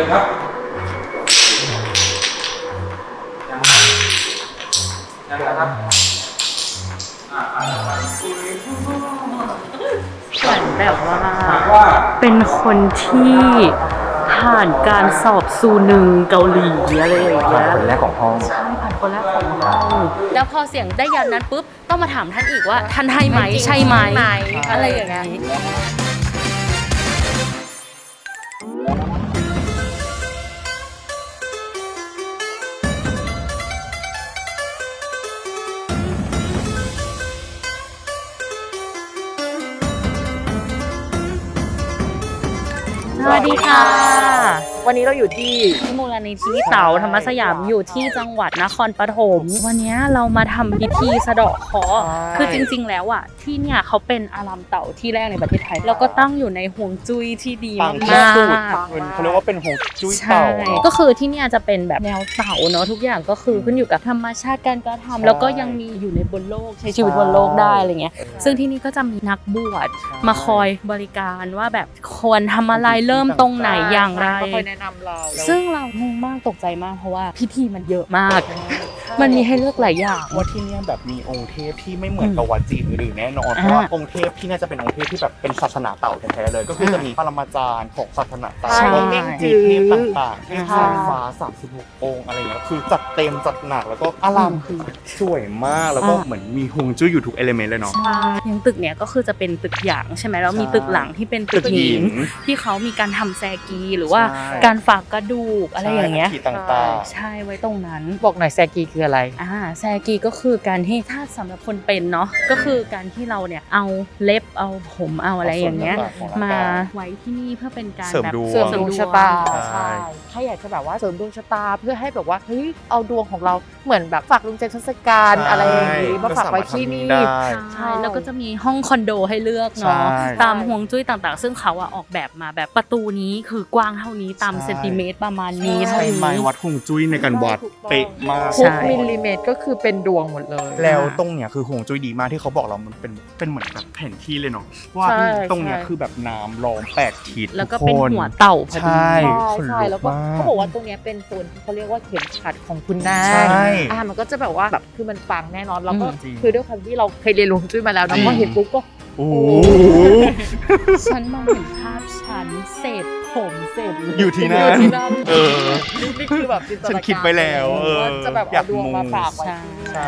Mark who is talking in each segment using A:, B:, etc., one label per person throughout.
A: เลยครับยังครับ
B: เหมือนแบบว่าเป็นคนที่ผ่านการสอบซูนึงเกาหลีอะไรอย่างเงี้ย
C: คนแรกของห้อง
B: ใช่ผ่านคนแรกของห้องแล้วพอเสียงได้ยันนั้นปุ๊บต้องมาถามท่านอีกว่าท่านให้ไหมใช่ไหมอะไรอย่างเงี้ย สวัสดีค่ะ
D: วันนี้เราอยู่ที่
B: มูลนิธิเต๋าธรรมสยามอยู่ที่จังหวัดนครปฐมวันนี้เรามาทำพิธีสะเดาะเคราะห์คือจริงๆแล้วอ่ะที่เนี่ยเขาเป็นอารามเต่าที่แรกในประเทศไทยแล้วก็ตั้งอยู่ในห่วงจุ้ยที่ดี
C: ปั
B: มาง
C: ที่สุด
B: ก
C: เขาเรียกว่าเป็นหงจุ้ย
B: ใช่
C: เต่าเนาะ
B: ก็คือที่เนี่ยจะเป็นแบบแนวเต่าเนาะทุกอย่างก็คือขึ้นอยู่กับธรรมชาติการกระทำแล้วก็ยังมีอยู่ในบนโลกใช้ชีวิตบนโลกได้อะไรเงี้ยซึ่งที่นี่ก็จะมีนักบวชมาคอยบริการว่าแบบควรทำอะไรเริ่มตรงไหนอย่างไร
D: คอยแนะนำเรา
B: ซึ่งเรางงมากตกใจมากเพราะว่าพิธีมันเยอะมาก มันมีให้เลือกหลายอย่าง
C: ว่าที่เนี่ยแบบมีองค์เทพที่ไม่เหมือนกับวัดจีนอื่นๆแน่นอนเพราะว่าองค์เทพที่น่าจะเป็นองค์เทพที่แบบเป็นศาสนาเต่าแท้ๆเลย ก็คือจะมีปรมาจารย์ของศาสนาเต่า
B: ใช่
C: มีเทพต่างๆเทพสายฟ้า36องค์อะไรอย่างเงี้ยคือจัดเต็มจัดหนักแล้วก็อารามคือสวยมากแล้วก็เหมือนมีฮวงจุ้ยอยู่ทุกเอลิเมนต์เลยเนาะ
B: ใช่อย่างตึกเนี้ยก็คือจะเป็นตึกหยางใช่ไหมแล้วมีตึกหลังที่เป็นตึกหินที่เขามีการทำแซกีหรือว่า
C: ใช่
B: การฝากกระดูกอะไรอย่างเงี้ย
C: ใช่ต่างๆ
B: ใช่ไว้ตรงนั้น
D: บอกหน่อยแซกีคืออะไร
B: แซกีก็คือการที่ถ้าสำหรับคนเป็นเนาะก็คือการที่เราเนี่ยเอาเล็บเอาผมเอาอะไรอย่างเงี้ย
C: เอาส่วนต่างๆของร่างกาย
B: มาไว้ที่นี่เพื่อเป็นการ
C: เสริม
B: แบบ
C: ดวง
D: เสริมดวงชะตา
C: ใช่
D: ถ้าอยากจะแบบว่าเสริมดวงชะตาเพื่อให้แบบว่าเฮ้ยเอาดวงของเราเหมือนแบบฝากลุงเจนทศการอะไรอย่างนี้มาฝากไว้ที่นี่
C: ก็สามารถทำได้
B: ใช่แล้วก็จะมีห้องคอนโดให้เลือกเนาะ
C: ใช่
B: ตามห่วงจุ้ยต่างๆ ซึ่งเขาอะออกแบบมาแบบประตูนี้คือกว้างเท่านี้ตาม
C: ใช่
B: เซนติเมตรประมาณนี้
C: ใช้
B: เท่า
C: ไม้
B: นี้
C: วัดฮวงจุ้ยในการวัดเป๊ะมาก
B: ใช่
D: ทุกมิลลิเมตรก็คือเป็นดวงหมดเลย
C: แล้วตรงเนี้ยคือฮวงจุ้ยดีมากที่เขาบอกเรามันเป็นเหมือนแบบแผนที่เลยเนาะว่า
D: ใช่
C: ตรงเนี้ย
D: ใช่
C: คือแบบน้ำล้อม8ทิศ
B: แล้วก็
C: ทุ
B: เป็น
C: คน
B: หัวเต่าพอดี
C: ใช่ ขนลุก
D: ใช่แล้วก็
C: มาก
D: เขาบอกว่าตรงเนี้ยเป็นโซนที่เขาเรียกว่าเข็มขัดของคุณนาง
C: ใช่
D: มันก็จะแบบว่าแบบคือมันปังแน่นอนแล้วก็
C: จริง
D: คือด้วยความที่เราเคยเรียนรู้จุ้ยมาแล้ว
C: จริ
D: นะ
C: ง
D: พอเห็นปุ๊บก็
C: โอ้โห
B: ฉันมองเห็นภาพฉันเสร็จผมเสร็จ
C: อยู่ที่นั่น เออ
D: นี่คือแบบจินตนาการ
C: ฉันคิดไว้แล้วเออ
D: ว่าจะแบบ
C: อยา
D: เอา
C: ก
D: ดวงมา
C: มู
D: ฝากไว้
B: ใช่
D: ที่นี่
C: ใช่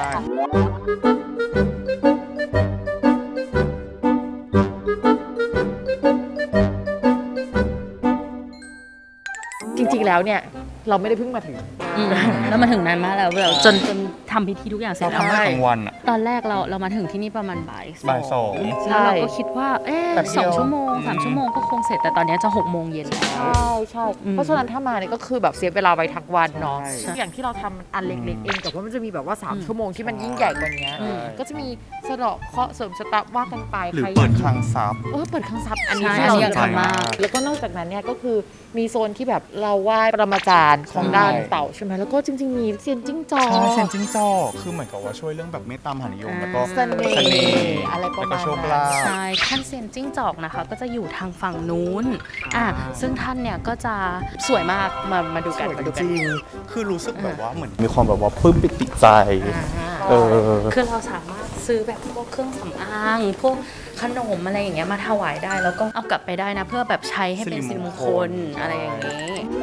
D: จริงๆแล้วเนี่ยเราไม่ได้เพิ่งมาถึง
B: แล้วมาถึงนานมากแล้วแบบจนทำพิธีทุกอย่างเสร็จ
C: เรา
B: แล้ว
C: ทำได้กลางวันอ่ะ
B: ตอนแรกเรามาถึงที่นี่ประมาณบ่าย
C: บ่ายสอง
B: แล้วเราก็คิดว่า
C: แป๊บเดียว
B: 2 ชั่วโมง 3 ชั่วโมงก็คงเสร็จแต่ตอนนี้จะ6 โมงเย็นแล้ว
D: ใช่
B: อืม
D: เพราะฉะนั้นถ้ามาเนี่ยก็คือแบบเสียเวลาไปทั้งวันเนาะ
C: ใช่
D: อย่างที่เราทำมันอันเล็กๆเองแต่ว่ามันจะมีแบบว่า 3 ชั่วโมงที่มันยิ่งใหญ่กว่านี้
B: อืม
D: ก็จะมีสะเดาะเคราะห์เสริมชะตาว่ากันไป
C: หรือ
D: ใคร
C: เปิดคลังทรัพย์
D: เปิดคลังทรัพย์อันนี้
B: ใช่
D: ที่
B: อัน
D: เรา
B: นี้อยากทำมาก
D: แล้วก็นอกจากนั้นเนี่ยก็คือมีโซนที่แบบเราไหว้ปรมาจารย์ของด้านเต่าใช่ไหมแล้วก็จริงๆมีเซียนจิ้งจอก
C: ใช่เซนจิ้งจอกคือเหมือนกับว่าช่วยเรื่องแบบเมตตามหานิยมแล้วก็
D: เสน่ห์
C: เสน่ห์
D: อะไรประมาณ
C: แล้วก็โชค
D: นั้น
C: ลาภ
B: ใช่ท่านเซียนจิ้งจอกนะคะ ก็จะอยู่ทางฝั่งนู้นซึ่งท่านเนี่ยก็จะสวยมากมาดูกัน
C: สวย
B: มาดู
C: จ
B: กัน
C: ริงๆคือรู้สึกแบบว่าเหมือนมีความแบบว่าปลื้มปิติใจ เออ
B: คือเราสามารถซื้อแบบพวกเครื่องสำอางพวกขนมอะไรอย่างเงี้ยมาถวายได้แล้วก็เอากลับไปได้นะ เพื่อแบบใช้ให้เป็นสิริมงคลอะไรอย่างนี้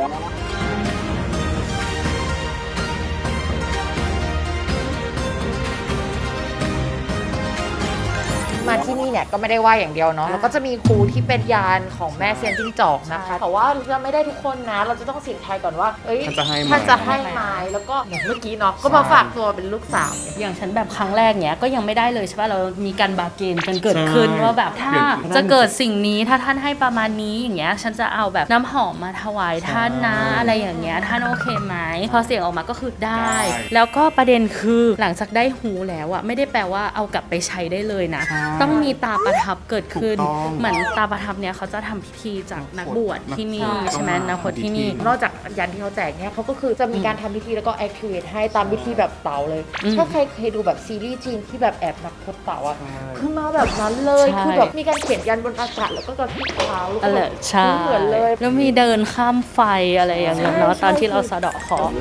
D: มาที่นี่เนี่ยก็ไม่ได้ไหว้อย่างเดียวเนาะแล้วก็จะมีครูที่เป็นยานของแม่เซียนจิ้งจอกนะคะแต่ว่าเราไม่ได้ทุกคนนะ เราจะต้องเสี่ยงทายก่อนว่าเอ้ย
C: ท่านจะให้ไหม
D: ท่านจะให้ไหมแล้วก็อย่างเมื่อกี้เนาะก็มาฝากตัวเป็นลูกสาว
B: อย่างฉันแบบครั้งแรกเนี้ยก็ยังไม่ได้เลยใช่ป่ะเรามีการบาร์เกนกันเกิดขึ้น
C: ใช่
B: ว่าแบบถ้า
C: อย่าง
B: จะเกิดสิ่งนี้ถ้าท่านให้ประมาณนี้อย่างเงี้ยฉันจะเอาแบบน้ำหอมมาถวายท่านนะ
C: ใช่
B: อะไรอย่างเงี้ยท่านโอเคไหมพอเสียงออกมาก็คือได้
C: ได้
B: แล้วก็ประเด็นคือหลังจากได้หูแล้วอะไม่ได้แปลว่าเอากลับไปใช้ได้เลยนะ
C: ใช่
B: ต้องมีตาประทับเกิดขึ้น
C: ถูกต้อง
B: เหมือนตาประทับเนี่ยเขาจะทำพิธีจากนักบวชที่นี่ใช่ไหมนักบวชที่นี่
D: นอกจากยันที่เขาแจกเนี่ยเขาก็คือจะมีการทำพิธีแล้วก็ activate ให้ตามพิธีแบบเต่าเลย ถ้าใครเคยดูแบบซีรีส์จีนที่แบบแอบนักพจน์เต่าอ่ะคือมาแบบนั้นเลย
B: ใช่
D: คือแบบมีการเขียนยันบนอากาศแล้วก็กระพริบเท้าแล้วก็
B: อะไร
D: แบบ
B: ใช่
D: เหมือนเลย
B: แล้วมีเดินข้ามไฟอะไรอย่างเงี้ยเนาะ
D: ใช่
B: ตอนที่เราสะเดาะเคราะห์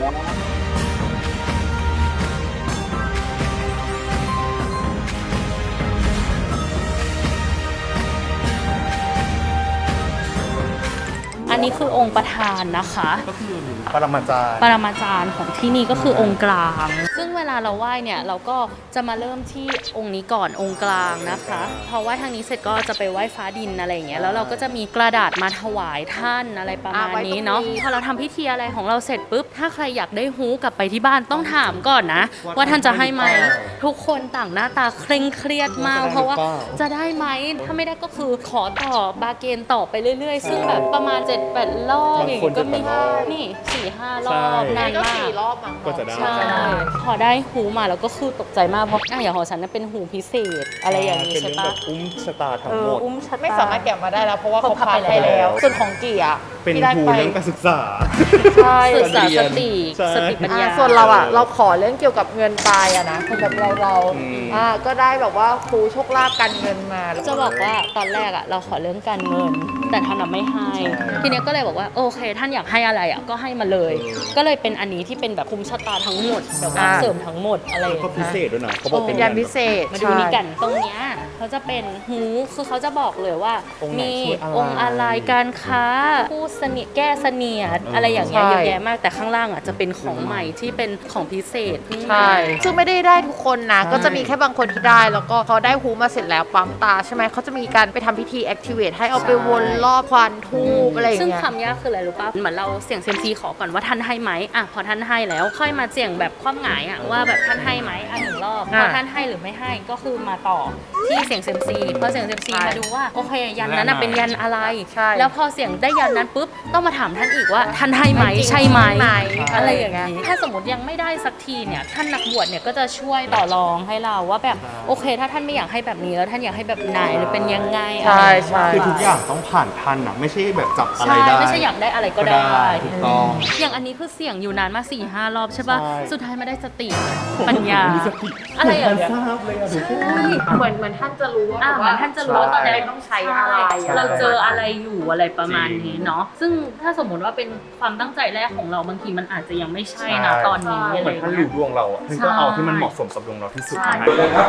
B: อันนี้คือองค์ประธานนะคะ
C: ก็คือปรมาจารย์
B: ปรมาจารย์ของที่นี่ก็คือองค์กลาง ซึ่งเวลาเราไหว้เนี่ยเราก็จะมาเริ่มที่องค์นี้ก่อนองค์กลางนะคะพอไหว้ทางนี้เสร็จก็จะไปไหว้ฟ้าดินอะไรอย่างเงี้ยแล้วเราก็จะมีกระดาษมาถวายท่านอะไรประมาณนี้เนาะพอเราทำพิธีอะไรของเราเสร็จปุ๊บถ้าใครอยากได้ฮู้กลับไปที่บ้านต้องถามก่อนนะ ว่าท่านจะให้ไหมทุกคนต่างหน้าตาเคร่งเครียดมาก เพราะว่าจะได้ไหมถ้าไม่ได้ก็คือขอต่อบาร์เกนต่อไปเรื่อยๆ ซึ่งแบบประมาณ7-8 รอบอย่างงี้ก็มีนี่ 4-5 รอบนาน
D: ก็
B: มาก
D: 4 รอบมั้ง
C: ก็จะได้
B: ใช่พอได้หูมาแล้วก็คือตกใจมากเพราะอย่างของฉันน่ะเป็นหูพิเศษอะไรอย่างนี้
C: เป็น
B: ใช่
C: เรื่อง
B: ปะ
C: แบบอุ้มชะตาทั้ง
B: เอ
C: หม
B: อ
C: ด
B: อุ้มชะตา
D: ไม่สามารถแกะมาได้แล้วเพราะว่าเขา
B: เขาพั
D: พั
B: บบ ไป
D: ไป
B: แล้
D: แล้ว วส่วนของกี่อ่ะ
C: เป็น
D: ที่ได้
C: ครู
D: ไป
C: เรื่องการศึกษา
D: ใช่
B: ศึกษาสติ
C: ใช่
B: สติปัญญา
D: ส่วนเราอ่ะเราขอเรื่องเกี่ยวกับเงินไปอะนะสำหรับเรา
C: อืม
D: ก็ได้แบบว่าครูโชคลาภการเงินมาแล้ว
B: จะบอกว่าตอนแรกอะเราขอเรื่องการเงิน แต่ท่านน่ะไม่ให้ ทีเนี้ยก็เลยบอกว่าโอเค ท่านอยากให้อะไรอะก็ให้มาเลย ก็เลยเป็นอันนี้ที่เป็นแบบคุมชะตาทั้งหมดแบบว่าเสริมทั้งหมดอะไรอย่าง
C: ก็พิ
B: เงี้ย
C: เศษด้วยนะเขาบอก
D: เป็นยันพิเศษ
B: มาดูนี่กันตรงเนี้ยเขาจะเป็นหูคือเขาจะบอกเลยว่า
C: องค์ไหน
B: มี
C: ช่วยอะไร
B: องค์อะไรการค้าผู้เสนียดแก้เสนียดอะไรอย่างเงี้ยเยอะแยะมากแต่ข้างล่างอ่ะจะเป็นของใหม่ที่เป็นของพิเศษเพิ่งมา
D: ใช่ซึ่งไม่ได้ทุกคนนะ ก็จะมีแค่บางคนที่ได้ แล้วก็พอได้ฮูมาเสร็จแล้วปั๊มตาใช่ไหมเขาจะมีการไปทำพิธี activate ให้เอาไปวนรอบควันทูบอะไรอย่าง
B: ซึ่ง
D: เงี้ย
B: คำยากคืออะไรรู้ป่ะเหมือนเราเสี่ยงเซียมซีขอก่อนว่าท่านให้ไหมอ่ะพอท่านให้แล้วค่อยมาเสี่ยงแบบคว่ำหงายอ่ะว่าแบบท่านให้ไหมอ่ะ1 รอบพอท่านให้หรือไม่ให้ก็คือมาต่อที่เสี่ยงเซียมซีพอเสี่ยงเซียมซีมาดูว่าโอเคยันนั้นน่ะเป็นยันอะไร
D: ใช่
B: แล้วพอเสี่ยงได้ยันนั้นปุ๊บต้องมาถามท่านอีกว่าท่านให้ไหมใช่ไหม
D: ไหม
B: อะไรอย่างนี้ถ้าสมมติยังไม่ได้สักทีเนี่ยท่านนักบวชเนี่ยก็จะช่วยต่อรองให้เราว่าแบบโอเค ถ้าท่านไม่อยากให้แบบนี้แล้วท่านอยากให้แบบไหนหรือเป็นยังไง
D: ใช่ใช่
C: คือทุกอย่างต้องผ่านทันนะไม่ใช่แบบจับอะไร
B: ใช่
C: ได้
B: ไม่ใช่อยากได้อะไรก็ได้
C: ถูกต้อง
B: อย่างอันนี้คือเสี่ยงอยู่นานมา4-5 รอบใช่ป่ะ
C: ใช่
B: สุดท้ายมาได้สติปัญญา
C: มีสติ
B: อะไรอย่างเงี้ย
C: ทราบเลยอะทุกคน
D: เหมือนท่านจะรู้ว่า
B: เหมือนท่านจะรู้ว่าตอนนี้
D: ต้องใช้อะไร
B: เราเจออะไรอยู่อะไรประมาณนี้เนาะซึ่งถ้าสมมติว่าเป็นความตั้งใจแรกของเราบางทีมันอาจจะยังไม่ใช่นะตอนนี้อะ
C: เห
B: ไร
C: มือน
B: อย่าง
C: ท่าน
B: เงี้
C: รู้
B: ย
C: ดวงเราอ่ะท่านก็เอาที่มันเหมาะสมกับดวงเราที่สุด
B: ใช่
C: นะครับ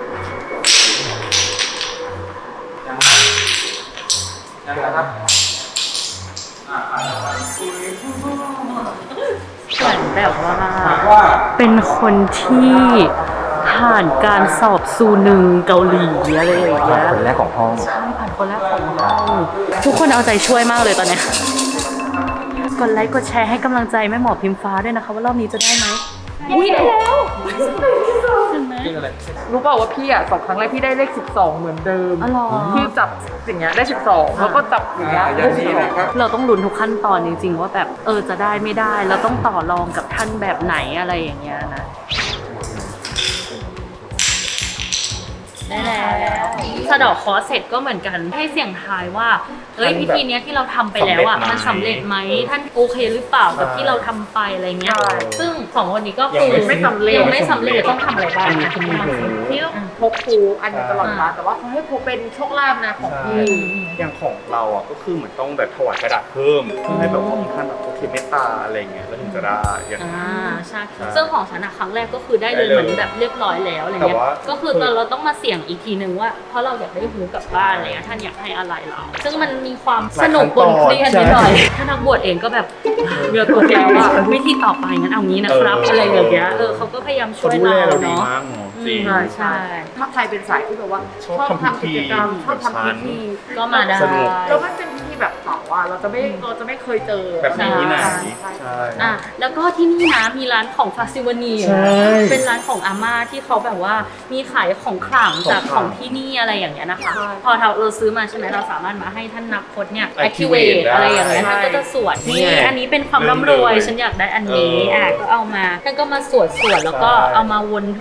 B: เหมือนแบบว่าเป็นคนที่ผ่านการสอบซูนึงเกาหลีอะไรอย่างเงี้ย
C: คนแรกของห้อง
B: ใช่ผ่านคนแรกของเราทุกคนเอาใจช่วยมากเลยตอนเนี้ยกดไลค์กดแชร์ให้กำลังใจแม่หมอพิมฟ้าด้วยนะคะว่ารอบนี้จะได้ไหมอุ้ยได้แล้วเห็นไหม
D: รู้เปล่าว่าพี่อ่ะ2 ครั้งแรกพี่ได้เลข12เหมือนเดิม
B: อ๋อเหรอ
D: พี่จับสิ่งเงี้ยได้12แล้วก็จับอย่างเงี้ยได้12
B: เราต้องลุ้นทุกขั้นตอนจริงๆว่าแบบจะได้ไม่ได้เราต้องต่อรองกับท่านแบบไหนอะไรอย่างเงี้ยนะได้แล้วสะเดอกคอเสร็จก็เหมือนกันให้เสี่ยงทายว่าพิธีเนี้ยที่เราทำไปแล้วอ่ะมันสำเร็จไหมท่านโอเคหรือเปล่ากับที่เราทำไปอะไรเงี้ยซึ่ง2 วันนี้ก็คือ
D: ยังไม่สำเร็จ
B: ยังไม่สำเร็จต้องทำอะไรบ้างนะ
D: พี่ต้องพกครูอันหนึงตลอดเวลาแต่ว่าเขาให้ครูเป็นโชคลาภนะของพี่
C: อย่างของเราอ่ะก็คือเหมือนต้องแบบถวายกระดาษเพิ่มเพื่อให้แบบว่าท่านแบบโอเคเมตตาอะไรเงี้ยแล้วถึงจะได้อย่างนั้น
B: ใช่ซึ่งของฉันครั้งแรกก็คือได้เลยเหมือนแบบเรียบร้อยแล้วอะไรเงี้ย
C: แต่ว่า
B: ก็คือเราต้องมาเสี่ยงอีกทีนึงว่าเพราะเราอยากได้หูกลับบ้านอะไรเงี้ยท่านอยากให้อะไรเราซึ่งมันมีความสนุกบนเครียดนิดหน่อยถ้านักบวชเองก็แบบเรือตัวแล้วว่าวิธีต่อไปงั้นเอางี้นะครับอะไรอย่างเงี้ยเขาก็พยายามช่วย
C: ดูแล
B: เรา
C: เราดี
B: เนาะ
C: มากเนาะจริง
B: ใช่
D: ถ้าใครเป็นสายที่แบบว่า
C: ชอบทำพิธี
D: กิจกรรมชอบทำพิธี
B: ก็มาได้
C: สนุก
D: แล้วมันเป็นพิธีแบบเผาอ่ะเราจะไม่เคยเจอ
C: แบบนี้ที่ไหน
D: ใช่
C: ใช่
B: แล้วก็ที่นี่นะมีร้านของฟาซิวานี
C: ใช่
B: เป็นร้านของอาม่าที่เขาแบบว่ามีขายของขลังจาก
C: ของขลัง
B: ของที่นี่อะไรอย่างเงี้ยนะคะ
D: ใช่
B: พอเราซื้อมาใช่ไหมเราสามารถมาให้ท่านนักพจน์เนี่ย
C: Activate
B: activate อะไรอย่างเงี้ย
D: ได้
B: ท่านก็จะสวด
C: นี่
B: นี่
C: ไง
B: อันนี้เป็นความร่ำรวย
C: เริ่มเลย
B: ฉันอยากได้อันนี้
C: ก็
B: เอามาท่านก็มาสวดแล้วก็
C: ใช่
B: เอามาวนทูบ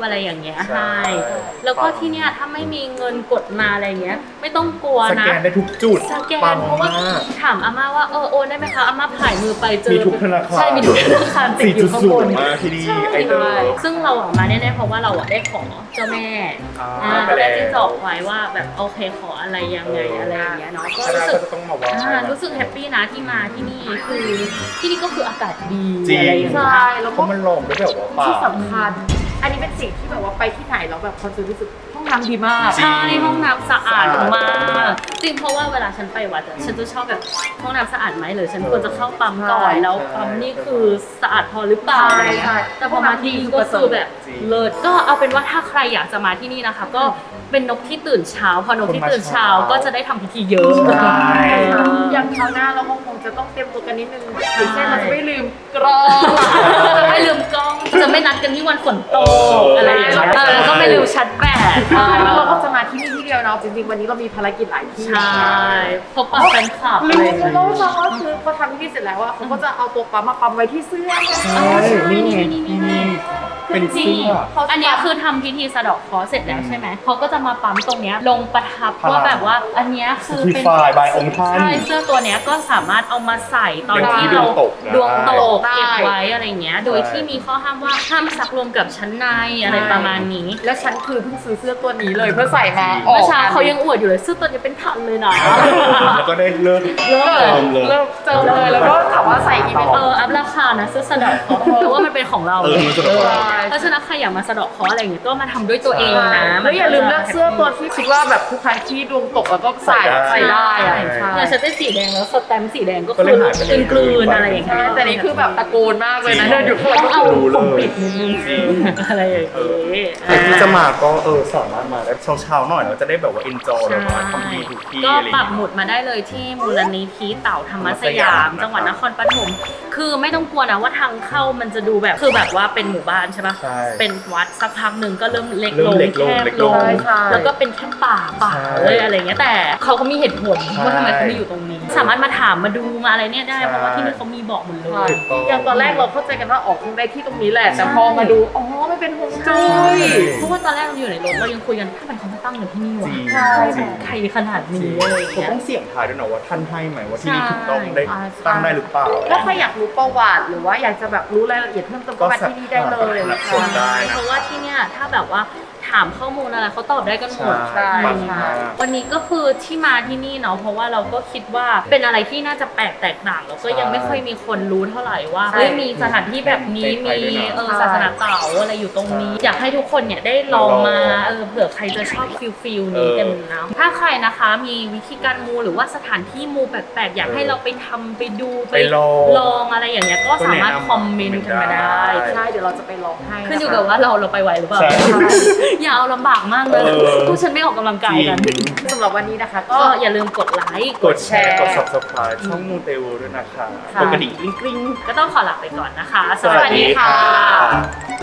B: อะไรอย่างเงี้ย
C: ใช่
B: ให้แล้วก็ที่เนี่ยถ้าไม่มีเงินกดมาอะไรเงี้ยไม่ต้องกลัว
C: ส
B: นะ
C: แกนได้ทุกจุด
B: สแก
C: ปั
B: น
C: ง
B: เพราะว่าม
C: าก
B: ถามอาม่าว่าโอนได้ไหมคะอาม่าผ่ายมือไปเจอ
C: มีทุกธนาคาร
B: ใช่มีทุกธนาคารติดอยู่ข้างบน
C: 4.0มาที่นี่
B: ใช่
C: ไอเดอร์
B: ซึ่งเราอะมาแน่ๆเพราะว่าเราอะได้ขอเจ้าแม่
C: ไป
B: ได้
C: แล้ว
B: ที่จอกไว้ว่าแบบโอเคขออะไรยังไงอะไรอย่างเงี้ยเนาะก็
C: ถ้าได้
B: รู้สึ
C: ก็
B: ก
C: จะต้องมาว่า
B: รู้สึกแฮปปี้นะที่มาที่นี่คือที่นี่ก็คืออากาศดี
C: จริง
B: อะไรอย่างเงี้ย
D: ใช่แล้ว
C: เพ
D: ก็
C: ราะมันลงด้วยแบบว่าป่า
D: ที่สำคัญ อันนี้เป็นสิ่งที่แบบว่าไปที่ไหนแล้วแบบคอนเซิร์นรู้สึกห้องน้ำดีมาก
C: จริง
B: ใช่ห้องน้ำสะอาด
C: สะอาด
B: มากจริงเพราะว่าเวลาฉันไปวัดอะฉันจะชอบแบบห้องน้ำสะอาดไหมหรือฉันควรจะเข้าปั๊มก่อนแล้วปั๊มนี่คือสะอาดพอหรือเปล่า
D: ใช่ใช่
B: แต่พอมาที่นี่ก็คือแบบเลิศก็เอาเป็นว่าถ้าใครอยากจะมาที่นี่นะคะ ก็เป็นนกที่ตื่นเช้าพอนกที่ตื่นเช้าก็จะได้ทำพิธีเยอะ
C: ใช่
D: อย่างคราวหน้าเราก็คงจะต้องเตรียมตัวกันนิดนึงอย่างเช่นเราจะไม่ลืมกรอง
B: จะไม่ลืมกล้องจะไม่นัดกันที่วันฝนตกอะไรอย่างเงี้ยแล้วก็ไม่ลืมชัดแบต
D: แล้วเราก็จะมาที่นี่ที่เดียวเนาะจริงๆวันนี้เรามีภารกิจหลายที่
B: ใช่พบปะแฟนคลับ
D: ลื
B: อะไร
D: ม
B: อย่าง
D: ไป
B: เงี้ย
D: แล้วจ้าว่าคือพอทำพิธีเสร็จแล้วอะเขาก็จะเอาตัวปั๊มมาปั๊มไว้ที่เสื้อ
B: อ๋อใช่
C: นี่ไง
B: นี่
C: เป็นเสื้อ
B: อันเนี้ยคือทำพิธีสะเดาะเคราะห์เสร็จแล้วใช่ไหมเขาก็จะมาปั๊มตรงเนี้ยลงประทับว่าแบบว่าอันเนี้ยคือเป็น
C: Certified by องค์ท่าน
B: ใช่เสื้อตัวเนี้ยก็สามารถเอามาใส่ตอน
C: อย่างที่
B: ที่เรา
C: ดวงตกได้
B: เก็บไว้อะไรเงี้ย โดยที่มีข้อห้ามว่าห้ามซักรวมกับชั้นในอะไรประมาณนี้
D: และฉันคือเพิ่งซื้อเสื้อตัวนี้เลยเพื่อใส่มา
B: เมื่อเช้าเขายังอวดอยู่เลยเสื้อตัวนี้เป็นพันเลยนะ
C: แล้วก็ได้เลิก
B: เริ่มเลย
C: เริ่มเลย
D: เริ่มเจอเลยแล้วก็ถามว่าใส่กี่เป็น
B: อัพราคานะเสื้อสะเดาะเคราะห์เพราะว่ามันเป็นของเรา
C: มันสะดวก
B: เพราะฉะนั้นใครอยากมาสะเดาะเคราะห์อะไรอย่างเงี้ยก็มาทำด้วยตัวเองนะ
D: แล้วอย่าลืมเลือกเสื้อตัวที่คิดว่าแบบทุกครั้งที่ดวงตกแล้วก็ใส่
C: ใส่
D: ใส่
C: ได้
D: ได้อะใช่
B: เนี่ยฉันได้สีแดงแล้วสแตมป์สีแดงก็
C: ก็
B: คื
C: เลย
B: อ
C: หายไปเลย
B: กลืนๆอะไรอย่างเงี้ย
D: แต่นี่คือแบบตะโกนมากเลยนะ
C: จริง
D: เดินอยู่ข้างหลัง
B: ต้อง
D: ก็
B: เอา
D: คือ
B: ผมปิดนิดนึง
C: จริง
B: อะไรอย่างเงี้ย
C: ใครที่จะมาก็สามารถมาได้เช้าๆหน่อยเราจะได้แบบว่า enjoy แบบว่าทำดีทุกที่
B: ก็
C: อะไรอ
B: ปั
C: ย่าก ง
B: หมุ
C: เงี้ย
B: ดมาได้เลยที่มูลนิธิเต่าธรรมสยาม
C: ธรรมสยาม
B: จังหวัดนครปฐมคือไม่ต้องกลัวนะว่าทางเข้ามันจะดูแบบคือแบบว่าเป็นหมู่บ้านใช่ปะ
C: ใช่
B: เป็นวัดสักพักหนึ่งก็เริ่มเล็ก
C: เริ่
B: ล
C: ม
B: ง
C: เล็กลง
B: แคบ
C: เล็ก
B: ล
C: ล
B: ง
C: ง
D: ใช่
B: แล้วก็เป็นแค่ป่า
C: ใช่
B: เลยอะไรเงี้ยแต่เขาก็มีเหตุผล
C: ใช่
B: ว่าทำไมเขาไม่อยู่ตรงนี้ สามารถมาถามมาดูมาอะไรเนี่ยได้
C: ใช่
B: เพราะว่าที่นี่เขามีบอกหมดเล
D: ใช่
B: ย
D: อย่างตอนแรกเราเข้าใจกันว่าออกคงได้ที่ตรงนี้แหละ แต่พอมาดูอ๋อไม่เป็นฮวงจุ้ย
B: เพราะว่าตอนแรกเราอยู่ในรถเรายังคุยกันทำไมเขามาตั้งกันที่นี่วะ
C: จริง
B: ใช่
C: จริง
B: ใครขนาดนี้อะไรอย่าง
C: ผม
B: เงี้ย
C: ต้องเสี่ยงทายด้วยนะว่าท่านให้ไหมว่าที่นี่
B: ใช่
C: ถูกต้องได้
D: ใช่
C: ตั้งได้หรือเปล่า
D: ถ้าใครอยากรู้ประวัติหรือว่าอยากจะแบบรู้รายละเอียดเพิ่มเติมก็มาที่นี่ได้เลย
C: ก็สามารถ ได้นะ
B: เพราะว่าที่เนี่ยถ้าแบบว่าถามข้อมูลอะไรเขาตอบได้กันหมด
C: ใช่ปังมาก
B: วันนี้ก็คือที่มาที่นี่เนาะเพราะว่าเราก็คิดว่าเป็นอะไรที่น่าจะแปลกแตกต่างแล้วก็ยังไม่ค่อยมีคนรู้เท่าไหร่ว่า
D: ใช่
B: เฮ้ยมีสถานที่แบบนี้
C: ในไท
B: มี
C: ยด้วยนะ
B: ศาสนาเต่าอะไรอยู่ตรงนี้ อยากให้ทุกคนเนี่ยได้ลองมาเผื่อใครจะชอบฟิลนี้กันนะถ้าใครนะคะมีวิธีการมูหรือว่าสถานที่มูแปลกๆอยากให้เราไปทำไปดู
C: ไปลอง
B: ลองอะไรอย่างเงี้ยก็สามารถคอมเมนต์กันมาได้
D: ใช่เดี๋ยวเราจะไปลองให้
B: ขึ้นอยู่กับว่าเราไปไหวหรือเปล่า
C: ใช่
B: อย่าเอาลำบากมากเลย พวกฉันไม่ออกกำลังกายกัน
C: จริง
D: สำหรับวันนี้นะคะ
B: ก็
D: ก็
B: อย่าลืมกดไลค์
C: กดแชร์ กด subscribe ช่องมูเตลูด้วยนะคะ
B: ค่ะ
C: กดกระดิ่งกริ๊ง
B: ก็ต้องขอลาไปก่อนนะคะ
C: ๆ
B: สวัสดีค่ะ
C: สวัสดีค่ะ